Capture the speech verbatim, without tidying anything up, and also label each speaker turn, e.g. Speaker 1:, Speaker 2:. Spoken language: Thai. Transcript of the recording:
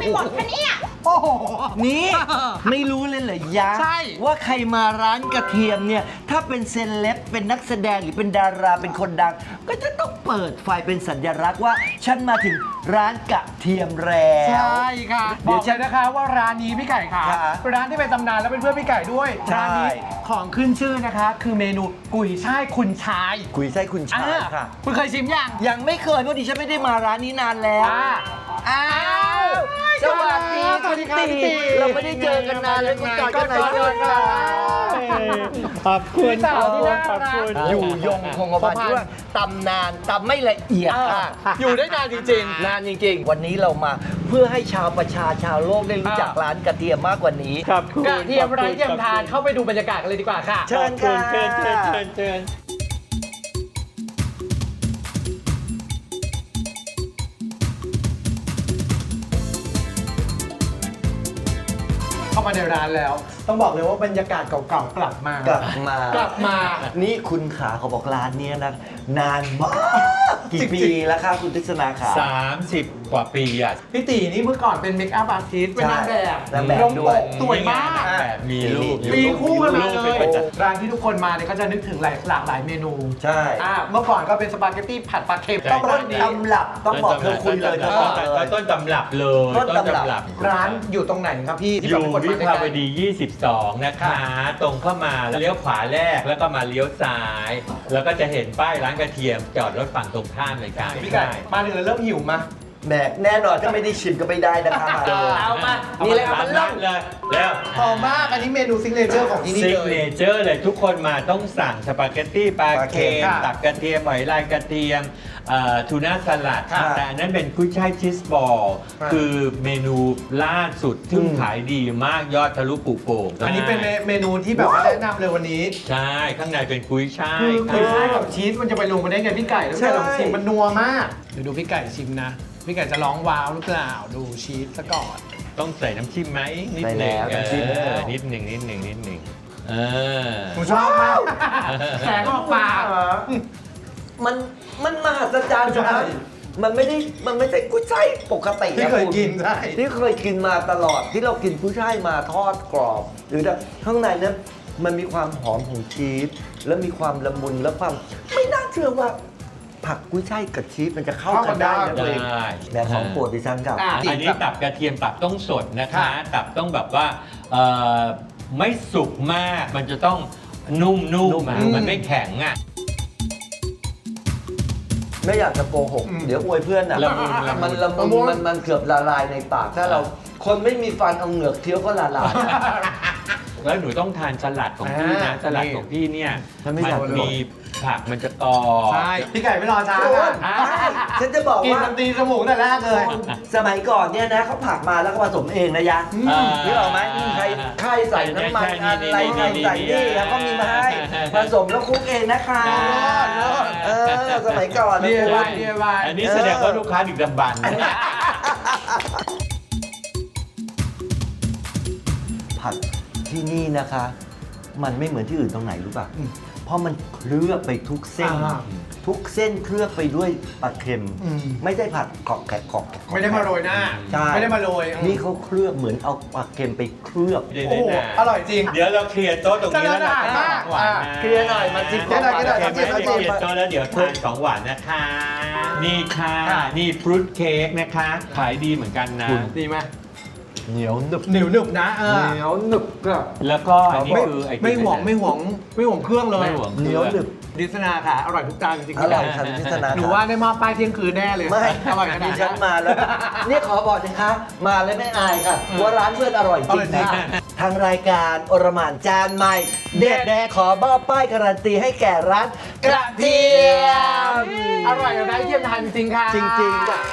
Speaker 1: หมดคะเนี่ย
Speaker 2: โอ้โห
Speaker 3: นี่ ไม่รู้เลยเหรอยะ
Speaker 2: ใช่
Speaker 3: ว่าใครมาร้านกระเทียมเนี่ย ถ้าเป็นเซเลบเป็นนักแสดงหรือเป็นดาราเป็นคนดัง ก็จะต้องเปิดไฟเป็นสัญลักษณ์ว่า ฉันมาถึงร้านกระเทียมแล้ว
Speaker 2: ใช่ค่ะ
Speaker 3: เดี๋
Speaker 2: บ
Speaker 3: ยว
Speaker 2: อกเลยนะคะว่าร้านนี้พี่ไก่ค่ะ
Speaker 3: ค่ะ
Speaker 2: เป็นร้านที่เป็นตำนานและเป็นเพื่อนพี่ไก่ด้วย
Speaker 3: ใช่
Speaker 2: ร้านนี้ของขึ้นชื่อนะคะ คือเมนูกุยช่ายคุณชาย
Speaker 3: คุยใช่คุณชาย
Speaker 2: อ่า
Speaker 3: ค่ะ
Speaker 2: คุณเคยชิมยัง
Speaker 3: ยังไม่เคยเพราะดิฉันไม่ได้มาร้านนี้นานแล้ว
Speaker 2: อ่า
Speaker 3: อ้าวสวัสดี
Speaker 2: สวัสดีครับ
Speaker 3: ณ
Speaker 2: พี่ตี
Speaker 3: เราไม่ได้เจอกันนานเลยคุณจอยกันไหน
Speaker 2: ก็
Speaker 3: ด้วยค่ะ
Speaker 4: ขอบคุณ
Speaker 2: พี่สาวที่น่า
Speaker 4: ขอบ
Speaker 2: รัก
Speaker 4: คุณ
Speaker 3: อยู่ยงคงกระพันที่ว่าตำนานตำไม่ละเอียดค่ะ
Speaker 2: อยู่ได้นานจริง
Speaker 3: นานจริงๆ วันนี้เรามาเพื่อให้ชาวประชาชาวโลกได้รู้จัก
Speaker 2: อ่า
Speaker 3: ร้านกระเทียมมากกว่านี้
Speaker 4: ขอบคุณ
Speaker 2: ๆกระเทียมไร้เทียมทานเข้าไปดูบรรยากาศกันเลยดีกว่าค่ะ
Speaker 3: เชิญ
Speaker 4: ขอบคุณ
Speaker 3: ค่ะ
Speaker 4: เชิญเชิญเชิญเชิญ
Speaker 2: เข้ามาในร้านแล้ว ต้องบอกเลยว่าบรรยากาศเก่าๆกลับมาก
Speaker 3: ลับมาก
Speaker 2: ลับมา
Speaker 3: นี่คุณขาเขาบอกร้านเนี้ยนะ นานมาก กี่ปีแล้วคะคุณทิศนาขา
Speaker 4: สามสิบกว่าปีอ่ะ
Speaker 2: พี่ตีนี่เมื่อก่อนเป็นเมคอัพอาร์ติสต์เป็นนางแบบ
Speaker 3: นางแบบ
Speaker 2: ลง
Speaker 3: ด้
Speaker 2: ป
Speaker 3: วย
Speaker 2: กสวยมาก
Speaker 4: แบบมีรูปอยู่
Speaker 2: ตีคู่กันมา
Speaker 4: รูป
Speaker 2: เล
Speaker 4: เป็น
Speaker 2: ย
Speaker 4: ประจ
Speaker 2: ร้านที่ทุกคนมาเนี่ยก็จะนึกถึงหลายหลากหลายเมนู
Speaker 3: ใช่
Speaker 2: อ่าเมื่อก่อนก็เป็นสปาเกตตี้ผัดปลาเค็ม
Speaker 4: ใช่
Speaker 2: ต้อง
Speaker 3: ต้
Speaker 2: ร้าน นนี้
Speaker 3: ตำรับต้องบอกเธอคุยเลยเธอบอกเลย
Speaker 4: ต้นตำรับเลย
Speaker 3: ต้นตำรับ
Speaker 2: ร้านอยู่ตรงไหนครับพี่ที่
Speaker 4: อ
Speaker 2: แบบ
Speaker 4: ยู่
Speaker 2: เป็นคน
Speaker 4: วิ
Speaker 2: มาใก
Speaker 4: ภา
Speaker 2: ล้ว
Speaker 4: ดี ยี่สิบสอง นะคะ ตรงเข้ามาแล้วเลี้ยวขวาแรกแล้วก็มาเลี้ยวซ้าย แล้วก็จะเห็นป้ายร้านกระเทียมจอดรถฝั่งตรงข้ามเลยค่ะ
Speaker 2: ๆพี่ไก่มาถึงแล้วเริ่มหิวมา
Speaker 3: แหมแน่นอนถ้าไม่ได้ชิมก็ไม่ได้นะคะมาเลย
Speaker 2: เอามา
Speaker 3: นี่เลยเอา
Speaker 4: ร้า
Speaker 3: มัน น
Speaker 4: นั้
Speaker 3: เล่า
Speaker 4: นเลยแล้ว
Speaker 2: หอมมากอันนี้เมนูซิกเนเจอร์ของที่นี่
Speaker 4: ซิก
Speaker 2: เล
Speaker 4: เน
Speaker 2: ย
Speaker 4: เจอร์เลยทุกคนมาต้องสั่งสปาเกตตี้ปลาเค็ม
Speaker 2: ค่ะ
Speaker 4: ตักกระเทียมหอยลายกระเทียมเอ่อทูน่าสลัด
Speaker 3: ค่ะ
Speaker 4: แต่อันนั้นเป็นกุ้ยช่ายชีสบอล
Speaker 2: ค่ะ
Speaker 4: คือเมนูล่าสุดที่
Speaker 3: อืม
Speaker 4: ขายดีมากยอดทะลุปุโป่ง
Speaker 2: อันนี้เป็นเมนูที่แบบว่าแนะนำเลยวันนี้
Speaker 4: ใช่ข้างในเป็นกุ้ยช่าย
Speaker 2: คือ
Speaker 4: ค่ะ
Speaker 2: คือช่ายกับชีสมันจะไปลงมาได้ไงพี่ไก่แล้วพี่ไก่
Speaker 3: ใช่
Speaker 2: ลองชิมมันนัวมากเดี๋ยวดูพี่ไก่ชิมนะ พี่ไก่จะร้องว้าวหรือเปล่าดูชีสซะก่อน
Speaker 4: ต้องใส่น้ำจิ้มไหมนิด
Speaker 3: ใส่
Speaker 4: หนึ่ง
Speaker 3: แล้วน้ำจิ้ม
Speaker 4: เออนิดหนึ่งนิดหนึ่งนิดหนึ่งเออ
Speaker 2: ผมชอบมากแสงออกปาก
Speaker 3: มันมันมหัศจรรย์
Speaker 2: ใช่
Speaker 3: นะมันไม่ได้มันไม่ใช่กุ้ยช่ายปกติ
Speaker 2: ที่
Speaker 3: นะ
Speaker 2: เคย
Speaker 3: ณ
Speaker 2: กินใช่
Speaker 3: ที่เคยกินมาตลอดที่เรากินกุ้ยช่ายมาทอดกรอบ หรือข้างในนั้นมันมีความหอมของชีสแล้วมีความละมุนและความไม่น่าเชื่อว่า ผักกุ้ยช่ายกับชีสมันจะเข้ากันได้นะ
Speaker 4: ได้
Speaker 3: ตัวเองแต่ของโปรดดิฉันครับ
Speaker 2: อ่ะ
Speaker 4: อันนี้ตับกระเทียมตับต้องสดนะคะ
Speaker 2: ค่ะ
Speaker 4: ตับต้องแบบว่าเอ่อไม่สุกมากมันจะต้องนุ่มๆ
Speaker 3: นุ่
Speaker 4: อ่ะ
Speaker 3: ม
Speaker 4: มันไม่แข็งอ่ะ
Speaker 3: ไม่อยากจะโกหก
Speaker 2: อืม
Speaker 3: เดี๋ยวอวยเพื่อนอ่ะ
Speaker 4: ละมุนละมุน
Speaker 3: มันละมุน
Speaker 2: ละมุน
Speaker 3: มันมันเกือบละลายในปาก ถ้าเราคนไม่มีฟันเอาเหงือกเคี้ยวก็ละลาย
Speaker 4: แล้วหนูต้องทานสลัดของพี่นะ
Speaker 2: อ่า
Speaker 4: สลัดของพี่เนี่ย
Speaker 3: ฉันไม่
Speaker 4: มั
Speaker 3: อยาก
Speaker 4: มีผักมันจะกรอบ
Speaker 2: ใช่พี่ไก่ไม่รอช้า
Speaker 3: โอ้
Speaker 2: ค่ะ
Speaker 3: ยใช่ฉันจะบอก
Speaker 2: กิน
Speaker 3: ว่า
Speaker 2: น้ำตีสมูกแต่แรกเลย
Speaker 3: สมัยก่อนเนี่ยนะเขาผักมาแล้วก็ผสมเองนะยะ
Speaker 2: อืม
Speaker 4: อ่า
Speaker 3: นึกออกไหมใครใครใส่น้ำมัน
Speaker 4: ใช่ใช่
Speaker 3: อะไร
Speaker 4: นี่
Speaker 3: ใครใส่
Speaker 4: นี่
Speaker 3: นี่
Speaker 4: นี่
Speaker 3: แล้วก็มีมาให้
Speaker 4: ใช่
Speaker 3: ผสมแล้วคลุกเองนะคะ
Speaker 2: เลิศ
Speaker 3: เออสมัยก่อนนะ
Speaker 2: เรีย
Speaker 3: คุณ
Speaker 2: ไว้เรียไว้
Speaker 4: อันนี้แสดงว่าลูกค้าดึกดำบรรพ์
Speaker 3: ผักที่นี่นะคะ มันไม่เหมือนที่อื่นตรงไหนรู้ป่ะ เพราะมันเคลือบไปทุกเส้น
Speaker 2: อ่า
Speaker 3: ทุกเส้นเคลือบไปด้วยปลาเค็ม
Speaker 2: อืม
Speaker 3: ไม่ได้ผัดกรอบแกะกรอบแกะ
Speaker 2: ไม่ได้มาโรยหน้า
Speaker 3: ใช่
Speaker 2: ไม่ได้มาโรย
Speaker 3: นี่เขาเคลือบเหมือนเอาปลาเค็มไปเคลือบ
Speaker 4: เดี๋ยว
Speaker 2: โอ้โห
Speaker 4: นะ
Speaker 2: อร่อยจริง
Speaker 4: เดี๋ยวเราเคลียร์โต๊ะตรงนี้แล้วเราจะทานของหวานนะ
Speaker 3: เคลียร์หน่อยมาจิ้ม
Speaker 2: เคลียร์หน่อยเคลียร์หน่อย
Speaker 4: โอเคไหม
Speaker 2: จิ้มจิ้ม
Speaker 4: เคลียร์โต๊ะแล้วเดี๋ยวทานของหวานนะคะ นี่ค่ะ
Speaker 2: ค่ะ
Speaker 4: นี่ฟรุตเค้กนะคะ ขายดีเหมือนกันนะ
Speaker 2: ดีไหม
Speaker 3: เหนียวหนึบ
Speaker 2: หนึบหนึบๆนะเออ
Speaker 3: เหนียวหนึบก็
Speaker 4: แล้วก็อันนี้
Speaker 2: ไม่
Speaker 4: คือไอ้
Speaker 2: ไม่ห่วงไม่ห่วงไม่ห่วงเครื่องเลย
Speaker 4: ไม่ห่วง
Speaker 3: เหนียวหนึบ
Speaker 2: ดิสนาค่ะ อร่อยทุกจานจริงๆ
Speaker 3: อร่อยค่ะพิศนา
Speaker 2: หนูว่าได้มาป้ายเที่ยงคืนแน่เลย
Speaker 3: ไม่
Speaker 2: อร่อยขนาด
Speaker 3: ดิ
Speaker 2: นี้
Speaker 3: ฉันมาแล้ว นี่ขอบอกนะคะ มาแล้วไม่อายค่ะว่าร้านเพื่อนอร่อยจริง
Speaker 2: อร่อยจริง
Speaker 3: ค่ะทางรายการอรหม่านจานใหม่ เด็ดแดขอบ้าป้ายการันตีให้แก่ร้านกระเทียม
Speaker 2: อร่อยแบบได้เทียมทานจริงๆค่ะ
Speaker 3: จริงๆ